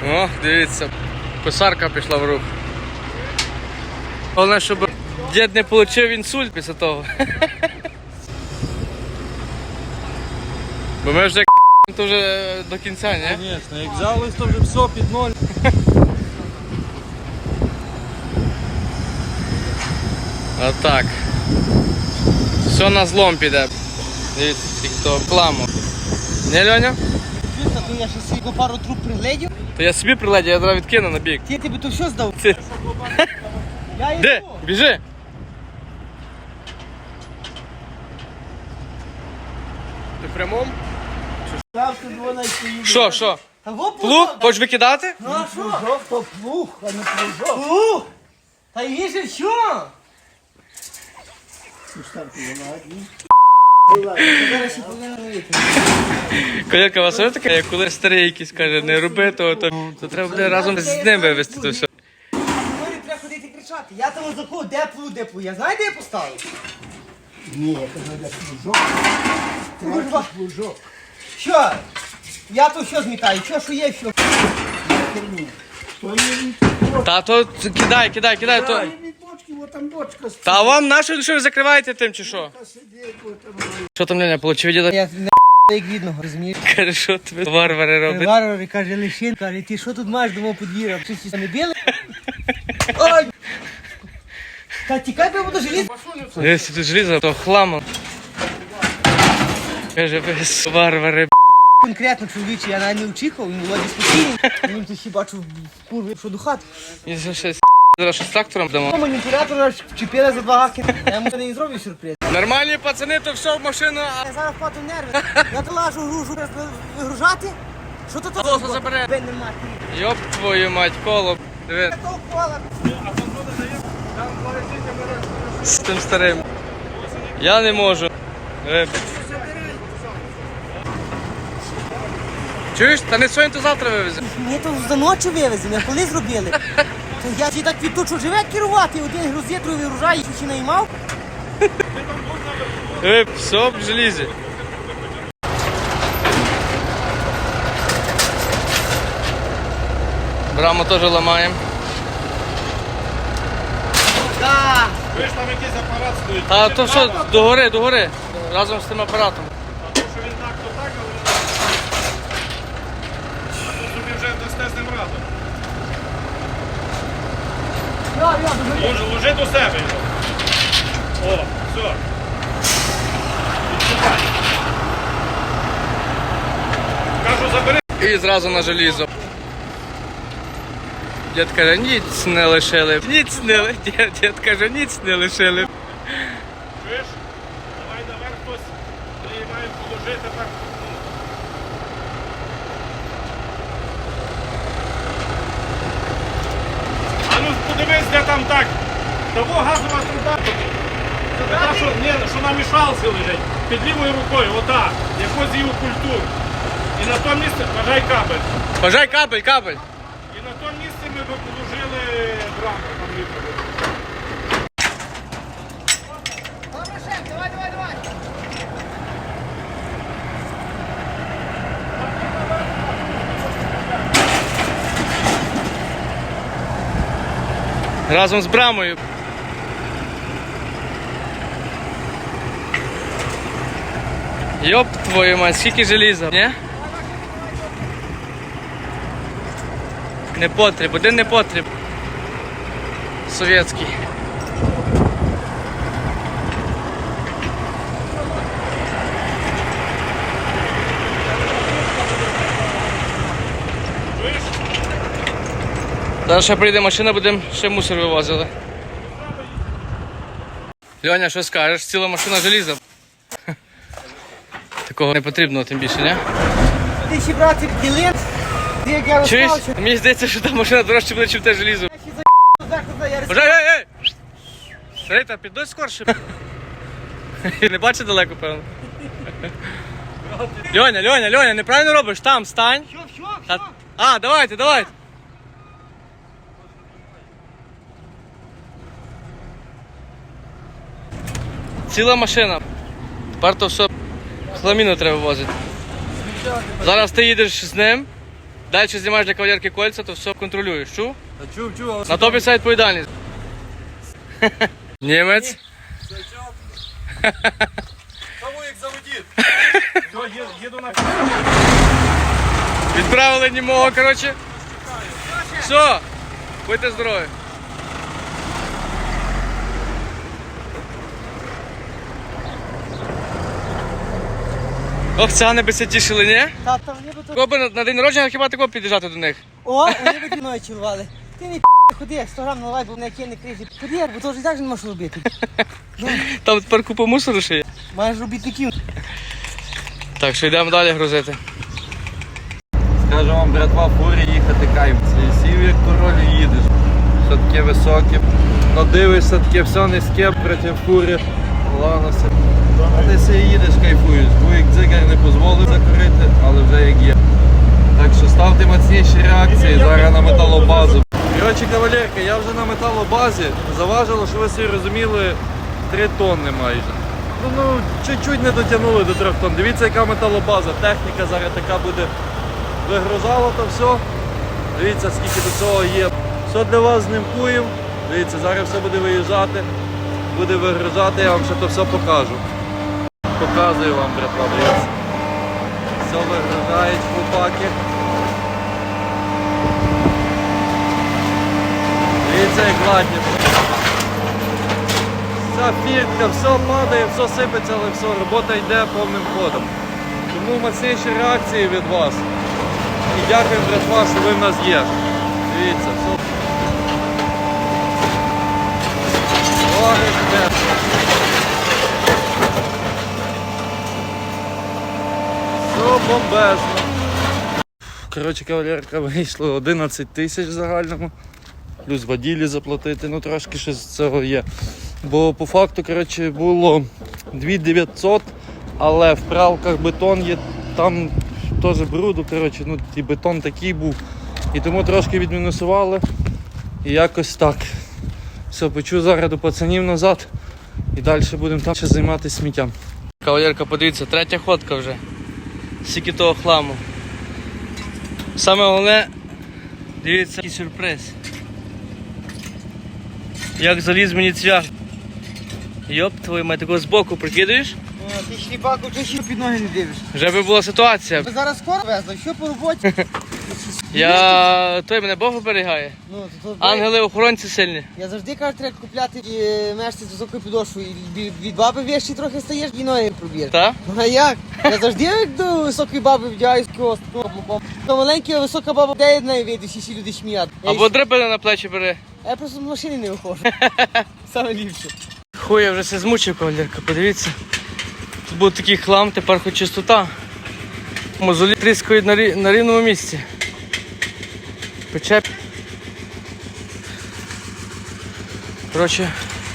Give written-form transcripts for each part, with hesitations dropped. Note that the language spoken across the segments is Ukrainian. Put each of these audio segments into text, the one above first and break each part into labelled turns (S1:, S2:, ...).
S1: О, дивіться, косарка пішла в рух. Головне, щоб дід не отримав інсульт після того. Бо ми вже то вже до кінця, ні?
S2: Звісно, як взялись, то вже все під ноль.
S1: Отак. Все на злом піде. Дивіться, хто кламу. Не, Льоня?
S3: Чисто, то я ще собі пару труб пригледів.
S1: То я собі приледю, я зараз відкину на бік.
S3: Ти тобі то все здав?
S1: Ти.
S3: Я йду.
S1: Де? Біжи! Ти в прямому? Що?
S3: Та во
S1: Плуг? Хочеш викидати?
S3: Ну а що?
S2: Плужок, то плуг, а не плужок.
S3: Плуг! Та є же що? Зараз ще повинен робити.
S1: Колірка, у вас є таке, як коли старий якийсь каже, не роби того, то треба буде разом з ним вивезти то все.
S3: Мені треба ходити кричати. Я там закув, де плуг. Я знаю, де я поставив?
S2: Ні, я кажу, де плужок.
S3: Курва.
S2: Плужок.
S3: Що? Я то що змітаю? Що є, що?
S2: Херні. То не
S1: Та то кидай, то.
S2: від бочки, от там бочка стоїть.
S1: Та вам нащо, що ви закриваєте тим чи що?
S2: Сидить, от там.
S1: Що там, Леня, получив діда?
S3: Я не як відного, розумієш?
S1: Каже, що тобі варвари роблять?
S3: Варвар каже, Лещин, каже, ти що тут маєш дома подвір'я? Чи всі не били? Ой! Та тікай, бо я буду жаліти.
S1: Якщо тут желізо, то хламо. Каже, ви варвари.
S3: Конкретно чоловіче, я навіть не очікував, він володі спокійний. Він тут хіба бачив курви, що до хати.
S1: І щось зараз щось з трактором дамо.
S3: Маніпулятор аж вчепили за два гаки. Я йому не зроблю сюрприз.
S1: Нормальні пацани, то все в машину, а
S3: Я зараз впаду в нерви. Я то лажу гружу вигружати. Що то тут?
S1: Колесо забере.
S3: Ben нема.
S1: йоп твою мать, коло. Диви,
S3: Такого кола.
S1: з тим старим. Я не можу. Диви. Чуєш? Та не сьогодні, то завтра вивезе.
S3: Мені то за ночі вивезли, а коли зробили? То я ті так відточу живе керувати, один грузить, другий вигружає, ще наймав.
S1: Диви, все в желізі. Браму теж ламаємо.
S3: Так.
S2: Ви ж там якийсь апарат стоїть.
S1: А то що, догори, разом з тим апаратом.
S2: А то, що він так, то так, але він так. А то собі вже дасте з ним раду. Ложи до себе його. О, все. Відчувай. Кажу, забери.
S1: І зразу на желізо. Дід каже, ніц не лишили. Дід каже, ніц не лишили.
S2: Чуєш? Давай наверх хтось. Ми маємо положити так. А ну подивись, де там так. Того газова труба. Це та, що на мішалці лежить. Під лівою рукою, отак. Якось її культуру. І на тому місці, бажай кабель.
S1: Бажай кабель.
S2: І на тому місці ми би положили браму. Там ліпо буде.
S3: Добре, шеф, давай.
S1: Разом з брамою. Йоп твою мать, скільки желіза, ні? Не потріб, один не потріб. Совєтський.
S2: Чуєш?
S1: Зараз ще прийде машина, будемо ще мусор вивозили. Льоня, що скажеш? Ціла машина желіза. Такого не потрібно, тим більше, не?
S3: Ти ще брати ділин, як я
S1: Чуєш?
S3: розпався.
S1: Мені здається, що та машина дорожче буде, ніж те желізо.
S3: Я ще за я
S1: Бажай, ей! Рита, підуть скорше. Не бачиш далеко, певно. Льоня, неправильно робиш, там стань.
S3: Що?
S1: А, давайте. Ціла машина. Тепер то все хламіну треба возити. Зараз ти їдеш з ним, Далі знімаєш для кавалерки кольця, то все контролюєш. Чув?
S4: Та чув,
S1: На тобі вся відповідальність. Німець.
S4: Тому як заводіть.
S2: Все, їду на
S1: Відправили німого, коротше. Все, будьте здорові. Ох, цигани би це тішили, ні?
S3: Тата, вони би то...
S1: Кого би на день народження хіба такого під'їжджати до них?
S3: О, вони би мною чилували. Ти не ходи, 100 грам наливай, бо на яке не кризі. Ходи, бо то вже і так же не можеш робити.
S1: Там тепер купа мусору ще є.
S3: Маєш робітників.
S1: Так, що йдемо далі грузити.
S4: Скажу вам, братва, фурі їхати кайф. Сів як король і їдеш. Все таке високе. Ну дивишся, таке все низьке проти фури. Ладно, а ти себе їдеш, кайфуєш. Буйк дзигар не дозволив закурити, але вже як є. Так що ставте міцніші реакції зараз на металобазу. Коротше, кавалерка, я вже на металобазі. Заважило, що ви всі розуміли, 3 тонни майже. Ну, чуть-чуть не дотягнули до 3 тонн. Дивіться, яка металобаза. Техніка зараз така буде. Вигрузало то все. Дивіться, скільки до цього є. Все для вас знімкуємо. Дивіться, зараз все буде виїжджати. Буде вигружати, я вам ще то все покажу. Показую вам, братва, дивіться. Все вигружають хлопаки. Дивіться, як гладні. Вся фіртка, все падає, все сипеться, але все, робота йде повним ходом. Тому мацніші реакції від вас. І дякуємо, братва, що ви в нас є. Дивіться, все. Ой, де. Все бомбезно. Коротше, кавалерка, вийшло 11 тисяч в загальному. Плюс воділі заплатити, ну трошки ще з цього є. Бо по факту, коротше, було 2900, але в правках бетон є, там теж бруду, коротше, ну і бетон такий був. І тому трошки відмінусували. І якось так. Все, почу зараз до пацанів назад і далі будемо там ще займатися сміттям.
S1: Кавалерка, подивіться, 3-я ходка вже. Скільки того хламу. Саме головне, дивіться, який сюрприз. Як заліз мені цвях. Йоп, твою мать, такого збоку прикидаєш?
S3: Ти шліпаку, чи ще під ноги не дивиш?
S1: Вже би була ситуація.
S3: Ви зараз скоро везли, що по роботі?
S1: Той мене Бог оберігає.
S3: Ну, то
S1: Ангели-охоронці сильні.
S3: я завжди кажу, треба купляти мешці з високою підошвою. Від баби вещі трохи стаєш і ноги проб'єш.
S1: Так?
S3: Ну а як? Я завжди як до високої баби вдягаюсь кіоску. То маленька висока баба вдягає в неї вийде, всі люди шміють.
S1: Або драбини на плечі бери.
S3: Я просто з машини не виходжу. Саме ліпше.
S1: Хуй, я вже все змучив, кавалерка, подивіться. Тут був такий хлам, тепер хоч чистота. Мозолі тріскають на рівному місці. Пече. Коротше,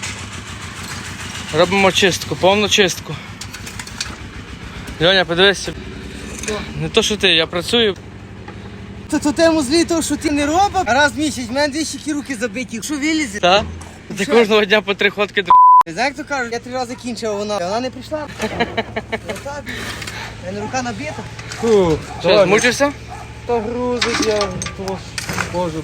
S1: робимо чистку, повну чистку. Льоня, подивися. Не то, що ти, я працюю.
S3: То тему злі того, що ти не робив, а раз в місяць, в мене 200 руки забиті. Що вилізе?
S1: Так? Ти
S3: Що?
S1: кожного дня по 3 ходки
S3: Знаєш, як то кажуть, я 3 рази кінчив, а вона не прийшла. Отак. У мене рука набита.
S4: Фух,
S1: Що, змучився?
S4: Та грузить я, можу.